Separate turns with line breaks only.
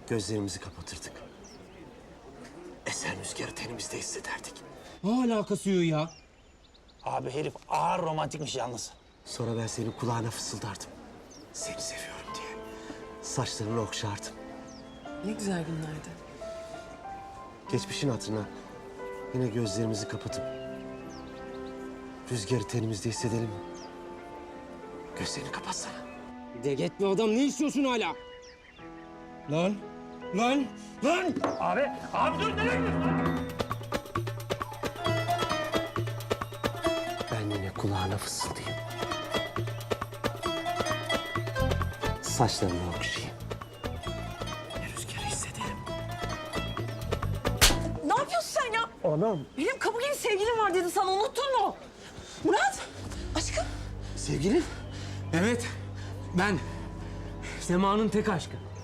Gözlerimizi kapatırdık. Esen rüzgarı tenimizde hissederdik.
Ne alakası yok ya?
Abi herif ağır romantikmiş yalnız.
Sonra ben senin kulağına fısıldardım. Seni seviyorum diye. Saçlarını okşardım.
Ne güzel günlerdi.
Geçmişin hatırına yine gözlerimizi kapatıp rüzgarı tenimizde hissedelim mi? Gözlerini kapatsana.
De gitme adam, ne istiyorsun hala? Lan! Lan! Lan!
Abi dur nereye gidiyorsun?
Ben yine kulağına fısıldayayım. Saçlarını okşayayım. Rüzgarı hissedelim.
Ne yapıyorsun sen ya?
Anam.
Benim kabulün sevgilim var dedi sana, unuttun mu? Murat, aşkım.
Sevgilin?
Evet, ben. Sema'nın tek aşkı.